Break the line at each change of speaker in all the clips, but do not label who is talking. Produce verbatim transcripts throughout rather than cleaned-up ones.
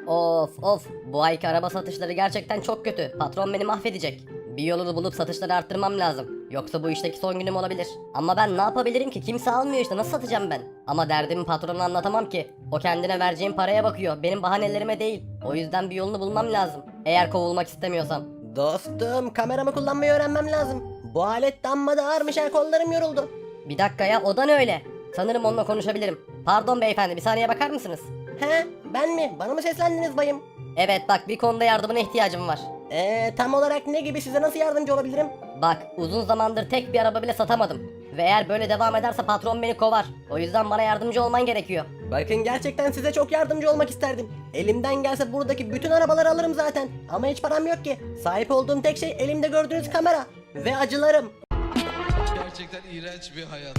Of of, bu ayki araba satışları gerçekten çok kötü. Patron beni mahvedecek. Bir yolunu bulup satışları arttırmam lazım. Yoksa bu işteki son günüm olabilir. Ama ben ne yapabilirim ki? Kimse almıyor işte, nasıl satacağım ben? Ama derdimi patrona anlatamam ki. O kendine vereceğim paraya bakıyor. Benim bahanelerime değil. O yüzden bir yolunu bulmam lazım. Eğer kovulmak istemiyorsam.
Dostum, kameramı kullanmayı öğrenmem lazım. Bu alet damma da ağırmış, ha, kollarım yoruldu.
Bir dakika ya, o da ne öyle? Sanırım onunla konuşabilirim. Pardon beyefendi, bir saniye bakar mısınız?
He, ben mi? Bana mı seslendiniz bayım?
Evet bak, bir konuda yardımına ihtiyacım var.
Eee tam olarak ne gibi, size nasıl yardımcı olabilirim?
Bak, uzun zamandır tek bir araba bile satamadım. Ve eğer böyle devam ederse patron beni kovar. O yüzden bana yardımcı olman gerekiyor.
Bakın, gerçekten size çok yardımcı olmak isterdim. Elimden gelse buradaki bütün arabaları alırım zaten. Ama hiç param yok ki. Sahip olduğum tek şey elimde gördüğünüz kamera. Ve acılarım.
Gerçekten iğrenç bir hayat.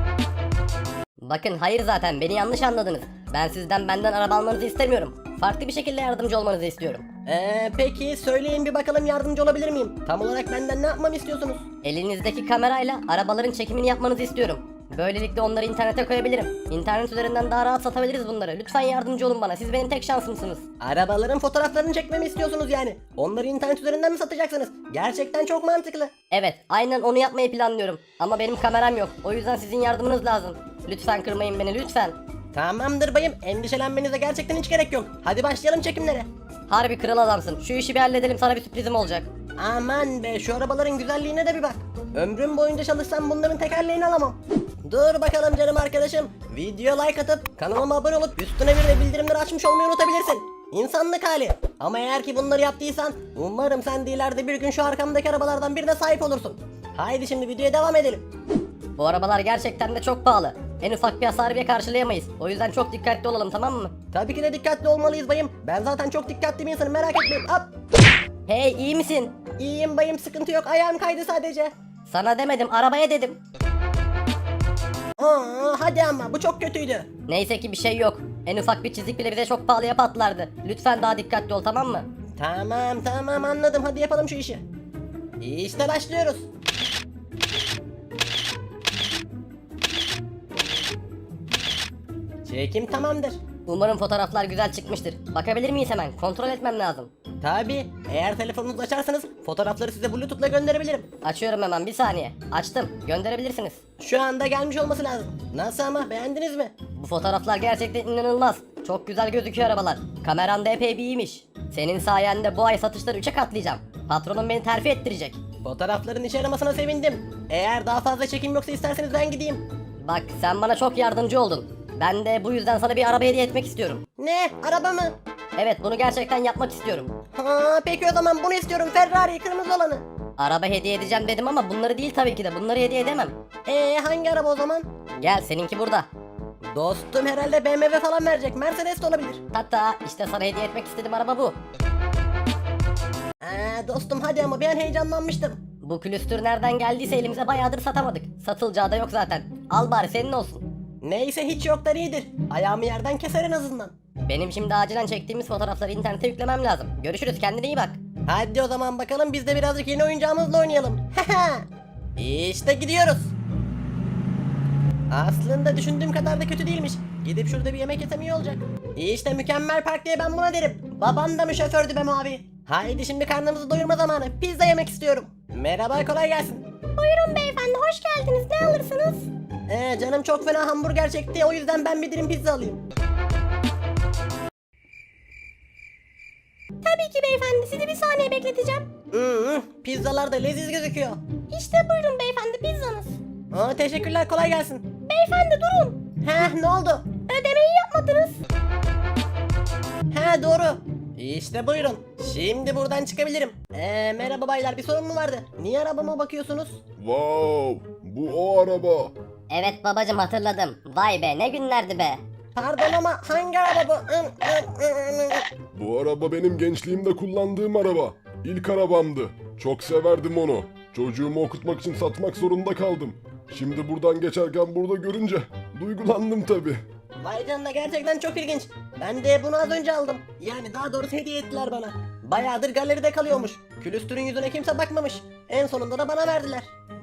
Bakın, hayır, zaten beni yanlış anladınız. Ben sizden benden araba almanızı istemiyorum. Farklı bir şekilde yardımcı olmanızı istiyorum.
Eee peki söyleyin bir bakalım, yardımcı olabilir miyim? Tam olarak benden ne yapmamı istiyorsunuz?
Elinizdeki kamerayla arabaların çekimini yapmanızı istiyorum. Böylelikle onları internete koyabilirim. İnternet üzerinden daha rahat satabiliriz bunları. Lütfen yardımcı olun bana. Siz benim tek şansımsınız.
Arabaların fotoğraflarını çekmemi istiyorsunuz yani. Onları internet üzerinden mi satacaksınız? Gerçekten çok mantıklı.
Evet, aynen onu yapmayı planlıyorum. Ama benim kameram yok. O yüzden sizin yardımınız lazım. Lütfen kırmayın beni, lütfen.
Tamamdır bayım, endişelenmenize gerçekten hiç gerek yok. Hadi başlayalım çekimlere.
Harbi kral adamsın. Şu işi bir halledelim, sana bir sürprizim olacak.
Aman be, şu arabaların güzelliğine de bir bak. Ömrüm boyunca çalışsam bunların tekerleğini alamam. Dur bakalım canım arkadaşım. Video like atıp kanalıma abone olup üstüne bir de bildirimleri açmış olmayı unutabilirsin. İnsanlık hali. Ama eğer ki bunları yaptıysan umarım sen de ileride bir gün şu arkamdaki arabalardan birine sahip olursun. Haydi şimdi videoya devam edelim.
Bu arabalar gerçekten de çok pahalı. En ufak bir hasarı bile karşılayamayız. O yüzden çok dikkatli olalım, tamam mı?
Tabii ki de dikkatli olmalıyız bayım. Ben zaten çok dikkatli bir insanım, merak etmeyin. Hop.
Hey, iyi misin?
İyiyim bayım, sıkıntı yok, ayağım kaydı sadece.
Sana demedim, arabaya dedim.
Aa, hadi ama bu çok kötüydü.
Neyse ki bir şey yok. En ufak bir çizik bile bize çok pahalıya patlardı. Lütfen daha dikkatli ol, tamam mı?
Tamam tamam, anladım, hadi yapalım şu işi. İşte başlıyoruz. Çekim tamamdır.
Umarım fotoğraflar güzel çıkmıştır. Bakabilir miyiz hemen? Kontrol etmem lazım.
Tabi, eğer telefonunuzu açarsanız fotoğrafları size bluetooth'la gönderebilirim.
Açıyorum hemen, bir saniye. Açtım. Gönderebilirsiniz.
Şu anda gelmiş olması lazım. Nasıl ama, beğendiniz mi?
Bu fotoğraflar gerçekten inanılmaz. Çok güzel gözüküyor arabalar. Kameran da epey bir iyiymiş. Senin sayende bu ay satışları üçe katlayacağım. Patronum beni terfi ettirecek.
Fotoğrafların işe yaramasına sevindim. Eğer daha fazla çekim yoksa isterseniz ben gideyim.
Bak, sen bana çok yardımcı oldun. Ben de bu yüzden sana bir araba hediye etmek istiyorum.
Ne? Araba mı?
Evet, bunu gerçekten yapmak istiyorum.
Ha, peki o zaman bunu istiyorum, Ferrari, kırmızı olanı.
Araba hediye edeceğim dedim ama bunları değil tabii ki de. Bunları hediye edemem.
Eee hangi araba o zaman?
Gel, seninki burada.
Dostum herhalde B M W falan verecek, Mercedes de olabilir.
Hatta işte sana hediye etmek istediğim araba bu.
Eee dostum hadi ama, bir an heyecanlanmıştım.
Bu külüstür nereden geldiyse elimize bayağıdır satamadık. Satılacağı da yok zaten. Al bari, senin olsun.
Neyse, hiç yoktan iyidir. Ayağımı yerden keser en azından.
Benim şimdi acilen çektiğimiz fotoğrafları internete yüklemem lazım. Görüşürüz, kendine iyi bak.
Hadi o zaman bakalım, biz de birazcık yeni oyuncağımızla oynayalım. İşte gidiyoruz. Aslında düşündüğüm kadar da kötü değilmiş. Gidip şurada bir yemek yesem iyi olacak. İşte mükemmel park diye ben buna derim. Babam da mı şofördü be mavi? Haydi şimdi karnımızı doyurma zamanı. Pizza yemek istiyorum. Merhaba, kolay gelsin.
Buyurun beyefendi, hoş geldiniz. Ne alırsınız?
Ee, canım çok fena hamburger çekti, o yüzden ben bir dilim pizza alayım.
Tabii ki beyefendi, sizi bir saniye bekleteceğim.
Hmm, pizzalar da leziz gözüküyor.
İşte buyurun beyefendi, pizzanız.
Aa, teşekkürler, kolay gelsin.
Beyefendi durun.
Heh, ne oldu?
Ödemeyi yapmadınız.
He, doğru. İşte buyurun. Şimdi buradan çıkabilirim. Eee merhaba baylar, bir sorun mu vardı? Niye arabama bakıyorsunuz?
Wow, bu o araba.
Evet babacım, hatırladım. Vay be, ne günlerdi be.
Pardon ama hangi araba bu?
Bu araba benim gençliğimde kullandığım araba. İlk arabamdı. Çok severdim onu. Çocuğumu okutmak için satmak zorunda kaldım. Şimdi buradan geçerken burada görünce duygulandım tabi.
Vay canına, gerçekten çok ilginç. Ben de bunu az önce aldım. Yani daha doğrusu hediye ettiler bana. Bayağıdır galeride kalıyormuş. Külüstürün yüzüne kimse bakmamış. En sonunda da bana verdiler.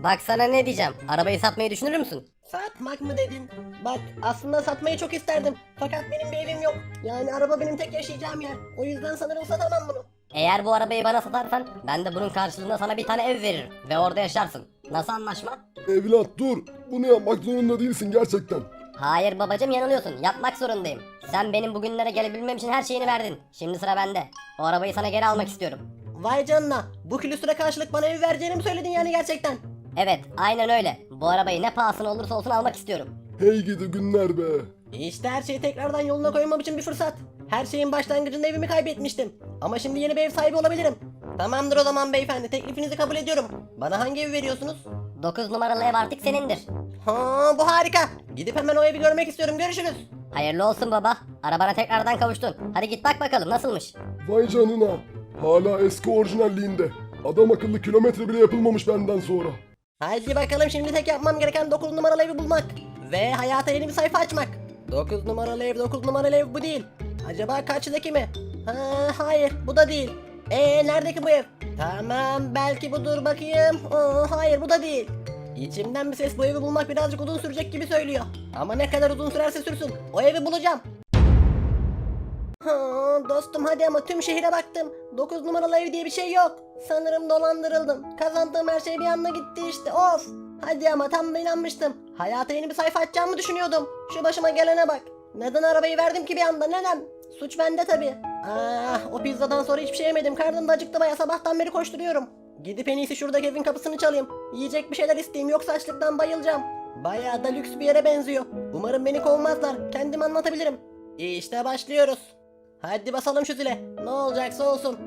Bak sana ne diyeceğim. Arabayı satmayı düşünür müsün?
Satmak mı dedin? Bak aslında satmayı çok isterdim. Fakat benim bir evim yok. Yani araba benim tek yaşayacağım yer. O yüzden sanırım satamam bunu.
Eğer bu arabayı bana satarsan ben de bunun karşılığında sana bir tane ev veririm ve orada yaşarsın. Nasıl anlaşma?
Evlat dur. Bunu yapmak zorunda değilsin gerçekten.
Hayır babacım, yanılıyorsun. Yapmak zorundayım. Sen benim bugünlere gelebilmem için her şeyini verdin. Şimdi sıra bende. O arabayı sana geri almak istiyorum.
Vay canına. Bu külüstüre karşılık bana ev vereceğini mi söyledin yani gerçekten?
Evet, aynen öyle. Bu arabayı ne pahasına olursa olsun almak istiyorum.
Hey gidi günler be.
İşte her şeyi tekrardan yoluna koymam için bir fırsat. Her şeyin başlangıcında evimi kaybetmiştim. Ama şimdi yeni bir ev sahibi olabilirim. Tamamdır o zaman beyefendi, teklifinizi kabul ediyorum. Bana hangi evi veriyorsunuz?
dokuz numaralı ev artık senindir.
Ha, bu harika. Gidip hemen o evi görmek istiyorum. Görüşürüz.
Hayırlı olsun baba. Arabana tekrardan kavuştun. Hadi git bak bakalım nasılmış.
Vay canına. Hala eski orijinalliğinde. Adam akıllı kilometre bile yapılmamış benden sonra.
Haydi bakalım, şimdi tek yapmam gereken dokuz numaralı evi bulmak. Ve hayata yeni bir sayfa açmak. dokuz numaralı ev, dokuz numaralı ev bu değil. Acaba kaçtaki mi? Ha, hayır bu da değil. Eee neredeki bu ev? Tamam belki budur, bakayım. Aa, hayır bu da değil. İçimden bir ses bu evi bulmak birazcık uzun sürecek gibi söylüyor. Ama ne kadar uzun sürerse sürsün o evi bulacağım. Ha, dostum hadi ama tüm şehire baktım. dokuz numaralı ev diye bir şey yok. Sanırım dolandırıldım. Kazandığım her şey bir anda gitti işte, of. Hadi ama tam da inanmıştım. Hayata yeni bir sayfa açacağımı düşünüyordum. Şu başıma gelene bak. Neden arabayı verdim ki bir anda, neden? Suç bende tabi. Ah, o pizzadan sonra hiçbir şey yemedim. Karnım da acıktı baya, sabahtan beri koşturuyorum. Gidip en iyisi şuradaki evin kapısını çalayım. Yiyecek bir şeyler isteyeyim, yoksa açlıktan bayılacağım. Bayağı da lüks bir yere benziyor. Umarım beni kovmazlar. Kendim anlatabilirim. İşte başlıyoruz. Hadi basalım şu zile. Ne olacaksa olsun.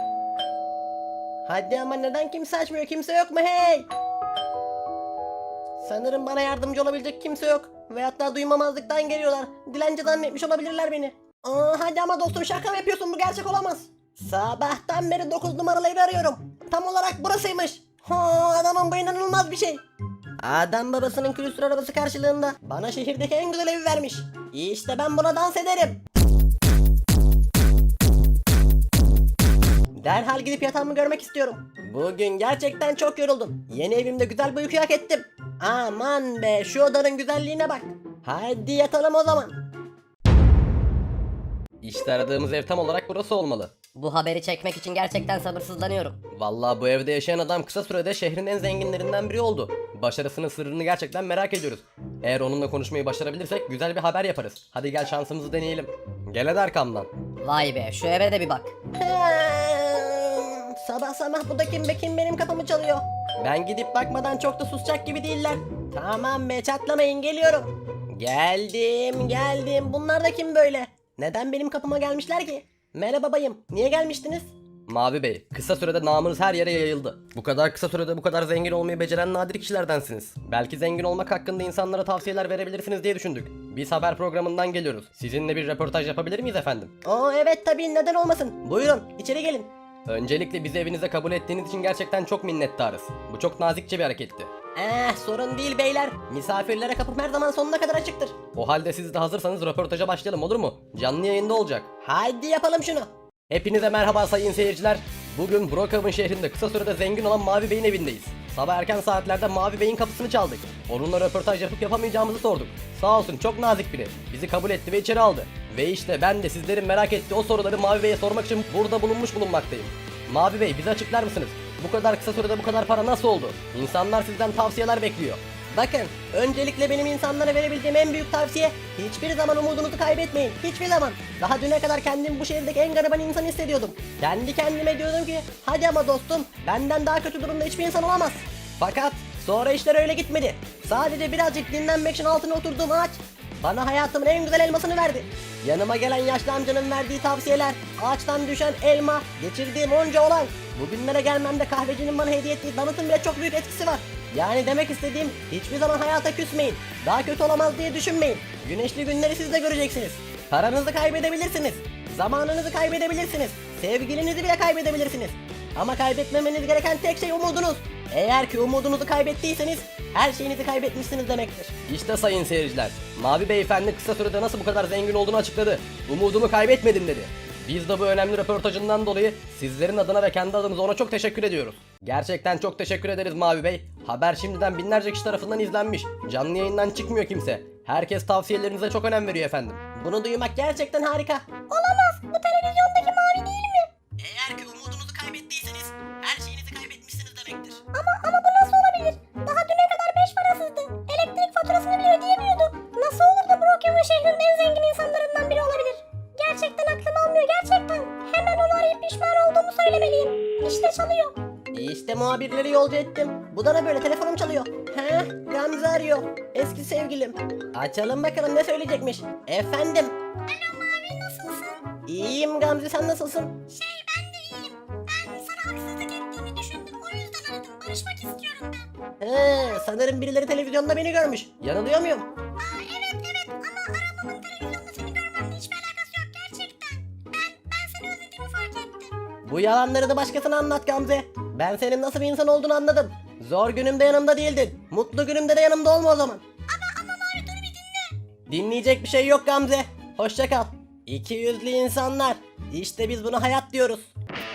Hadi ama neden kimse açmıyor? Kimse yok mu hey? Sanırım bana yardımcı olabilecek kimse yok. Ve hatta duymamazlıktan geliyorlar. Dilenci zannetmiş olabilirler beni. Aa, hadi ama dostum, şaka mı yapıyorsun? Bu gerçek olamaz. Sabahtan beri dokuz numaralı evi arıyorum. Tam olarak burasıymış. Ha, adamın bu inanılmaz bir şey. Adam babasının külüstür arabası karşılığında bana şehirdeki en güzel evi vermiş. İşte ben buna dans ederim. Derhal gidip yatağımı görmek istiyorum. Bugün gerçekten çok yoruldum. Yeni evimde güzel bir uyku hak ettim. Aman be, şu odanın güzelliğine bak. Hadi yatalım o zaman. İşte aradığımız ev tam olarak burası olmalı.
Bu haberi çekmek için gerçekten sabırsızlanıyorum.
Vallahi bu evde yaşayan adam kısa sürede şehrin en zenginlerinden biri oldu. Başarısının sırrını gerçekten merak ediyoruz. Eğer onunla konuşmayı başarabilirsek güzel bir haber yaparız. Hadi gel şansımızı deneyelim. Gel hadi arkamdan.
Vay be, şu eve de bir bak.
Sabah sabah bu da kim be, kim benim kapımı çalıyor? Ben gidip bakmadan çok da susacak gibi değiller. Tamam be, çatlamayın, geliyorum. Geldim geldim, bunlar da kim böyle? Neden benim kapıma gelmişler ki? Merhaba bayım, niye gelmiştiniz? Mavi Bey, kısa sürede namınız her yere yayıldı. Bu kadar kısa sürede bu kadar zengin olmayı beceren nadir kişilerdensiniz. Belki zengin olmak hakkında insanlara tavsiyeler verebilirsiniz diye düşündük. Biz haber programından geliyoruz. Sizinle bir röportaj yapabilir miyiz efendim? Oo evet tabii, neden olmasın. Buyurun, içeri gelin. Öncelikle bizi evinize kabul ettiğiniz için gerçekten çok minnettarız. Bu çok nazikçe bir hareketti. Eh, sorun değil beyler. Misafirlere kapım her zaman sonuna kadar açıktır. O halde siz de hazırsanız röportaja başlayalım, olur mu? Canlı yayında olacak. Haydi yapalım şunu. Hepinize merhaba sayın seyirciler. Bugün Brookhaven şehrinde kısa sürede zengin olan Mavi Bey'in evindeyiz. Sabah erken saatlerde Mavi Bey'in kapısını çaldık. Onunla röportaj yapıp yapamayacağımızı sorduk. Sağ olsun, çok nazik biri. Bizi kabul etti ve içeri aldı. Ve işte ben de sizlerin merak ettiği o soruları Mavi Bey'e sormak için burada bulunmuş bulunmaktayım. Mavi Bey, bize açıklar mısınız? Bu kadar kısa sürede bu kadar para nasıl oldu? İnsanlar sizden tavsiyeler bekliyor. Bakın, öncelikle benim insanlara verebileceğim en büyük tavsiye, hiçbir zaman umudunuzu kaybetmeyin. Hiçbir zaman. Daha düne kadar kendimi bu şehirdeki en gariban insan hissediyordum. Kendi kendime diyordum ki, hadi ama dostum, benden daha kötü durumda hiçbir insan olamaz. Fakat sonra işler öyle gitmedi. Sadece birazcık dinlenmek için altına oturduğum ağaç bana hayatımın en güzel elmasını verdi. Yanıma gelen yaşlı amcanın verdiği tavsiyeler, ağaçtan düşen elma, geçirdiğim onca olay. Bugünlere gelmemde kahvecinin bana hediye ettiği donutun bile çok büyük etkisi var. Yani demek istediğim, hiçbir zaman hayata küsmeyin. Daha kötü olamaz diye düşünmeyin. Güneşli günleri siz de göreceksiniz. Paranızı kaybedebilirsiniz. Zamanınızı kaybedebilirsiniz. Sevgilinizi bile kaybedebilirsiniz. Ama kaybetmemeniz gereken tek şey umudunuz. Eğer ki umudunuzu kaybettiyseniz her şeyinizi kaybetmişsiniz demektir. İşte sayın seyirciler, Mavi Beyefendi kısa sürede nasıl bu kadar zengin olduğunu açıkladı. Umudumu kaybetmedim dedi. Biz de bu önemli röportajından dolayı sizlerin adına ve kendi adımıza ona çok teşekkür ediyoruz. Gerçekten çok teşekkür ederiz Mavi Bey. Haber şimdiden binlerce kişi tarafından izlenmiş. Canlı yayından çıkmıyor kimse. Herkes tavsiyelerinize çok önem veriyor efendim. Bunu duymak gerçekten harika.
Olamaz. Bu televizyondaki mavi değil mi?
Eğer ki umudunuzu kaybettiyseniz her şeyinizi kaybetmişsiniz demektir.
Ama ama bu nasıl olabilir? Daha düne kadar beş parasızdı. Elektrik faturasını bile ödeyemiyordu. Nasıl olur da Brookhaven şehrinin en zengin insanlarından biri olabilir? Gerçekten aklım almıyor gerçekten. Hemen onu arayıp pişman olduğumu söylemeliyim. İşte çalıyor.
İşte muhabirleri yolcu ettim. Bu da ne böyle, telefonum çalıyor. He, Gamze arıyor. Eski sevgilim. Açalım bakalım ne söyleyecekmiş. Efendim.
Alo Mavi, nasılsın?
İyiyim Gamze, sen nasılsın?
Şey, ben de iyiyim. Ben sana haksızlık ettiğimi düşündüm. O yüzden aradım. Barışmak istiyorum ben.
He, sanırım birileri televizyonda beni görmüş. Yanılıyor muyum?
Aa, evet evet ama aramamın televizyonda seni görmemle hiçbir alakası yok gerçekten. Ben, ben seni özlediğimi fark ettim.
Bu yalanları da başkasına anlat Gamze. Ben senin nasıl bir insan olduğunu anladım. Zor günümde yanımda değildin. Mutlu günümde de yanımda olma o zaman.
Ama ama Mavi dur bir dinle.
Dinleyecek bir şey yok Gamze. Hoşça kal. İki yüzlü insanlar. İşte biz buna hayat diyoruz.